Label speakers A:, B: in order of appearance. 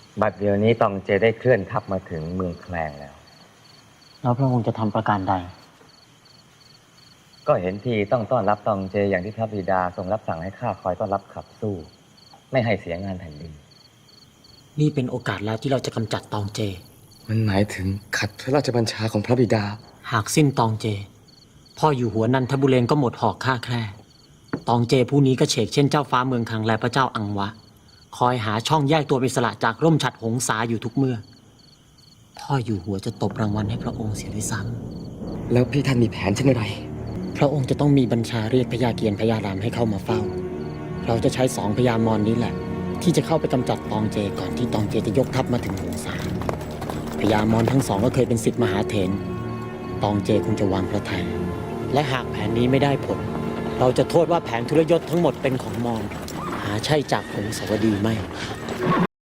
A: บัดเดี๋ยวนี้ตองเจได้เคลื่อนทัพมาถึงเมืองแคลงแล้ว
B: แล้วพระองค์จะทำประการใด
A: ก็เห็นทีต้องต้อนรับตองเจอย่างที่พระบิดาทรงรับสั่งให้ข้าคอยต้อนรับขับสู้ไม่ให้เสียงานแผ่นดิน
B: นี่เป็นโอกาสแล้วที่เราจะกำจัดตองเจ
C: มันหมายถึงขัดพระราชบัญชาของพระบิดา
B: หากสิ้นตองเจพ่ออยู่หัวนันทบุเรงก็หมดหอกฆ่าแคร่ตองเจผู้นี้ก็เฉกเช่นเจ้าฟ้าเมืองคังและพระเจ้าอังวะคอยหาช่องแยกตัวเป็นสละจากร่มฉัตรหงสาอยู่ทุกเมื่อพ่ออยู่หัวจะตบรางวัลให้พระองค์เสียด้วยซ้
C: ำแล้วพี่ท่านมีแผนเช่นไร
B: พระองค์จะต้องมีบัญชาเรียกพญาเกียรติพญารามให้เข้ามาเฝ้าเราจะใช้2 พญามารนี้แหละที่จะเข้าไปกำจัดตองเจก่อนที่ตองเจจะยกทัพมาถึงหงสาพญามารทั้ง2ก็เคยเป็นศิษย์มหาเถรตองเจคงจะวางพระทัยและหากแผนนี้ไม่ได้ผลเราจะโทษว่าแผนทุรยศทั้งหมดเป็นของมารหาใช่จากหงสาวดีไม่